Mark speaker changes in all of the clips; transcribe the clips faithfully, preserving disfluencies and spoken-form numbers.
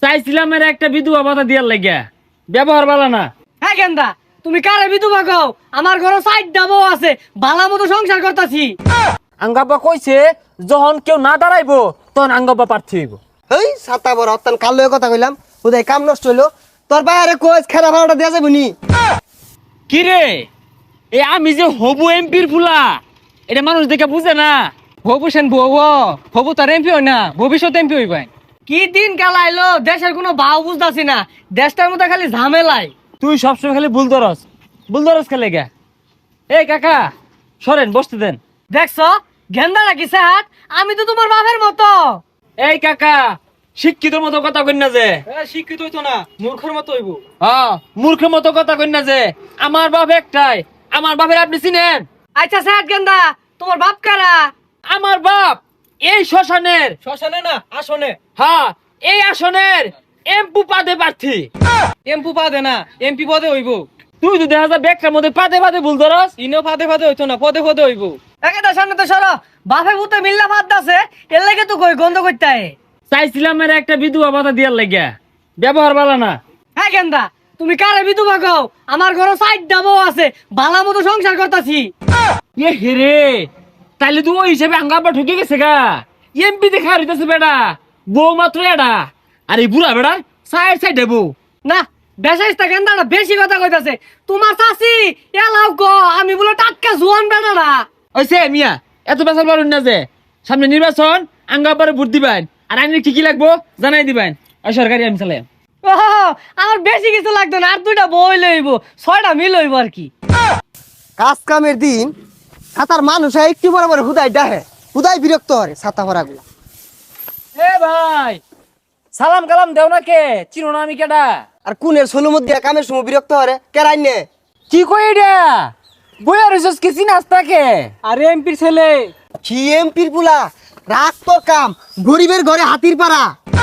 Speaker 1: চাইছিলাম এর একটা বিধবা ভাতা দিয়ার লাগিয়া, ব্যবহার ভালো না।
Speaker 2: হ্যাঁ গেন্দা, তুমি কারে বিধবা কও? আমার ঘরে সাইড ডাবো আছে, ভালো মতো সংসার করতাছি।
Speaker 1: আঙ্গাব্বা কইছে যখন কেউ না দাঁড়াইবো তখন আঙ্গাব্বা প্রার্থী হইব।
Speaker 3: এই সাতা বড় অত্যান কাল লয়ে কথা কইলাম, উদয় কাম নষ্ট হইলো। তোর বাইরে কোচ খেলা ভাড়াটা দেওয়া যাবে নি?
Speaker 1: কি রে, এ আমি যে হবু এমপির ফুলা, এটা মানুষ দেখে বুঝে না।
Speaker 2: হবু সেন বউ, হবু তার এমপি হয় না, ভবিষ্যৎ এমপি হইবাই। কি দিন কাল আইলো, দেশের কোনো ভাও বুঝতাছি না, দেশটার মধ্যে খালি ঝামেলাই।
Speaker 1: তুই সবসময় খালি ভুল ধরস, ভুল ধরস খেলে গা। এই কাকা সরেন, বসতে দেন।
Speaker 2: দেখছো গেন্দা নাকি হাত? আমি তো তোমার বাপের মতো।
Speaker 1: এই কাকা, শিক্ষিতর মতো কথা কই না যে।
Speaker 2: শিক্ষিত হইতো না, মূর্খের মতো হইব।
Speaker 1: হ্যাঁ, মূর্খের মতো কথা কই না যে। আমার বাপ একটাই, আমার বাপের আপনি চিনেন?
Speaker 2: আচ্ছা সাত গেন্দা, তোমার বাপ কারা?
Speaker 1: আমার বাপ এই শ্মশানের,
Speaker 2: শ্মশানে না আসনে।
Speaker 1: হ্যাঁ এই আসনের এমপি পদে প্রার্থী।
Speaker 2: এমপি পদে না, এমপি পদে হইব।
Speaker 1: তুই তো দেখা যায় ব্যাগটার মধ্যে পাদে পাদে ভুল ধরস।
Speaker 2: ইনো ফাদে ফাদে হইতো না, পদে পদে হইব। একেটা সামনে তো সরো, বাপে ভূতে মিল্লা ফাদ দাসে, এর লাগে তো কই গন্ধ করতে হয়।
Speaker 1: চাইছিলাম এর একটা বিধবা ভাতা দিয়ার লাগিয়া, ব্যবহার ভালো না।
Speaker 2: হ্যাঁ গেন্দা, তুমি কারে বিধবা কও? আমার ঘরে সাইড ডাবো আছে, ভালো মতো সংসার করতাছি।
Speaker 1: এ হেরে, তাইলে তুই ওই হিসেবে আঙ্গাব্বা ঠকে গেছে গা। এমপি দেখা হইতেছে বেড়া, বউ মাত্র এডা, আর এই বুড়া বেড়া সাইড সাইড দেবো
Speaker 2: না বেশাইস্তা গেন্দাটা বেশি কথা কইতাছে। তোমার চাচি এলাও গো, আমি বলে টাটকা জোয়ান বেড়াটা।
Speaker 1: ওইসে মিয়া, এত বেসাল পারুন না যে। সামনে নির্বাচন, আঙ্গাব্বারে ভোট দিবেন, আর আইনের কি কি লাগবো জানাই দিবেন। ওই সরকারি আমি চালাই।
Speaker 2: ও আমার বেশি কিছু লাগতো না, আর দুইটা বই লইব, ছয়টা মিল হইব আর কি।
Speaker 3: কাজ কামের দিন সাতার মানুষ একটু বড় বড় হুদাই ডাহে, হুদাই বিরক্ত হরে ছাতা ভরা গুলা।
Speaker 1: এ ভাই, সালাম কালাম দেও না কে? চিনো না আমি কেডা?
Speaker 3: আর কুনের সোলো মধ্যে কামের সময় বিরক্ত হরে কেরাই নে।
Speaker 1: কি কই এটা? বইয়া রইছস কি চিনাস তাকে?
Speaker 2: আরে এমপির ছেলে।
Speaker 3: কি এমপির পুলা, রাগ তোর কাম, গরিবের ঘরে হাতির পাড়া।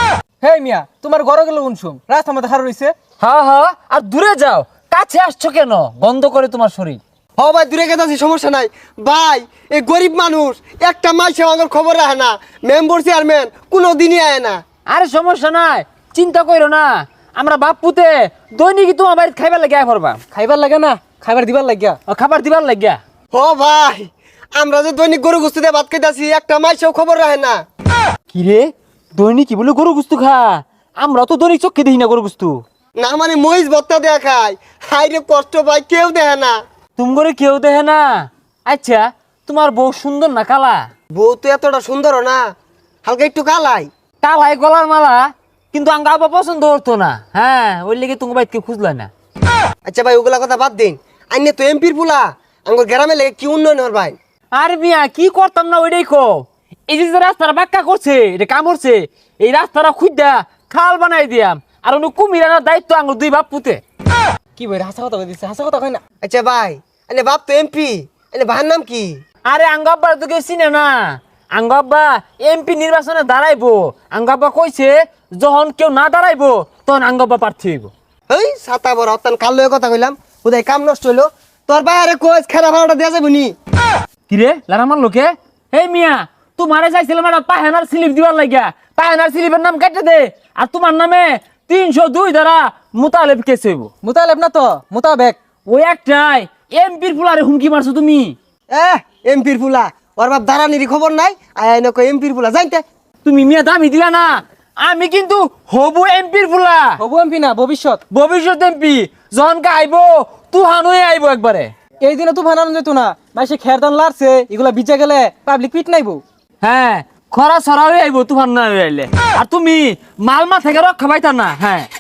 Speaker 2: হে মিয়া, তোমার ঘরে গেল উনসুম, রাস্তা মধ্যে হার রইছে।
Speaker 1: হ্যাঁ হ্যাঁ, আর দূরে যাও, কাছে আসছো কেন? বন্ধ করে তোমার শরীর।
Speaker 3: হ ভাই দূরে গেছি, সমস্যা নাই ভাই। এই গরিব মানুষ একটা মাসে আমার খবর রাখে না, মেম্বার চেয়ারম্যান কোনো দিনই আয় না।
Speaker 1: আরে সমস্যা নাই, চিন্তা কইরো না। আমরা বাপ পুতে দৈনিক তোমার বাড়িতে খাইবার লাগিয়া পড়বা।
Speaker 2: খাইবার লাগে না, খাইবার দিবার লাগিয়া।
Speaker 1: ও খাবার দিবার লাগিয়া।
Speaker 3: হ ভাই, আমরা যে দৈনিক গরু গুস্তি দিয়ে ভাত খাইতেছি, একটা মাসেও খবর রাখে না।
Speaker 1: কি রে, দৈনিক কি বলে গরু গুস্তু খা? আমরা তো দৈনিক চোখে দেখি না গরু গুস্তু।
Speaker 3: না মানে মহিষ ভত্তা দেয়া খায়, হাই রে কষ্ট পাই, কেউ দেখে না।
Speaker 1: তুমি করে কেউ দেখে না? আচ্ছা, তোমার বউ সুন্দর না কালা?
Speaker 3: বউ তো এতটা সুন্দর না, হালকা একটু কালাই।
Speaker 1: কালাই গলার মালা, কিন্তু আঙ্গা আবার পছন্দ হতো না। হ্যাঁ, ওই লেগে তুমি বাইকে খুঁজলা না।
Speaker 3: আচ্ছা ভাই ওগুলা কথা বাদ দিন, আইনে তো এমপির পুলা, আমার গ্রামে লেগে কি উন্নয়ন হর ভাই?
Speaker 1: আর মিয়া কি করতাম না ওইটাই কো। এই যে যে রাস্তাটা বাক্কা করছে, এটা কাম করছে, এই রাস্তাটা খুঁজা খাল বানাই দিয়াম, আর অন্য কুমির আনার দায়িত্ব আঙ্গুর দুই বাপ পুতে।
Speaker 2: কি বই হাসা কথা কইছে, হাসা কথা কই না।
Speaker 3: আচ্ছা ভাই, আইনে বাপ তো এমপি, আইনে ভাইয়ের নাম কি?
Speaker 1: আরে আঙ্গাব্বা তো কেউ চিনে না। আঙ্গাব্বা এমপি নির্বাচনে দাঁড়াইবো। আঙ্গাব্বা কইছে যখন কেউ না দাঁড়াইবো তখন আঙ্গাব্বা প্রার্থী হইব।
Speaker 3: এই ছাতা বড় অত্যান কাল লয়ে কথা কইলাম, উদয় কাম নষ্ট হইলো। তোর বাইরে কোচ খেলা ভাড়াটা দেওয়া যাবে নি?
Speaker 1: কিরে লারামার লোকে, এই মিয়া তোমারে চাইছিলাম একটা পাহেনার স্লিপ দিবার লাগিয়া, পাহেনার স্লিপের নাম কেটে দে, আর তোমার নামে তিনশো দুই দ্বারা মোতালেব কেস হইব।
Speaker 2: মুতালেব না তো, মুতাবেক।
Speaker 1: ওই একটাই এমপির ফুলারে হুমকি মারছো তুমি।
Speaker 3: এহ এমপির পুলা, ওর বাপ দাঁড়ানির খবর নাই, আয় আইনে কই এমপির পুলা জানতে।
Speaker 1: তুমি মিয়া দামি দিলা না, আমি কিন্তু হবু এমপির ফুলা।
Speaker 2: হবু এমপি না, ভবিষ্যৎ।
Speaker 1: ভবিষ্যৎ এমপি যখন আইবো তুহান হয়ে আইবো একবারে।
Speaker 2: এই দিনে তো বানানো যেত না, মাসে খেরদান লারছে, এগুলা বিচা গেলে পাবলিক পিট নাইবো।
Speaker 1: হ্যাঁ, খরা ছড়া হয়ে আইবো তুফান না হয়ে আইলে। আর তুমি মালমা থেকে রক্ষা পাইতা না। হ্যাঁ।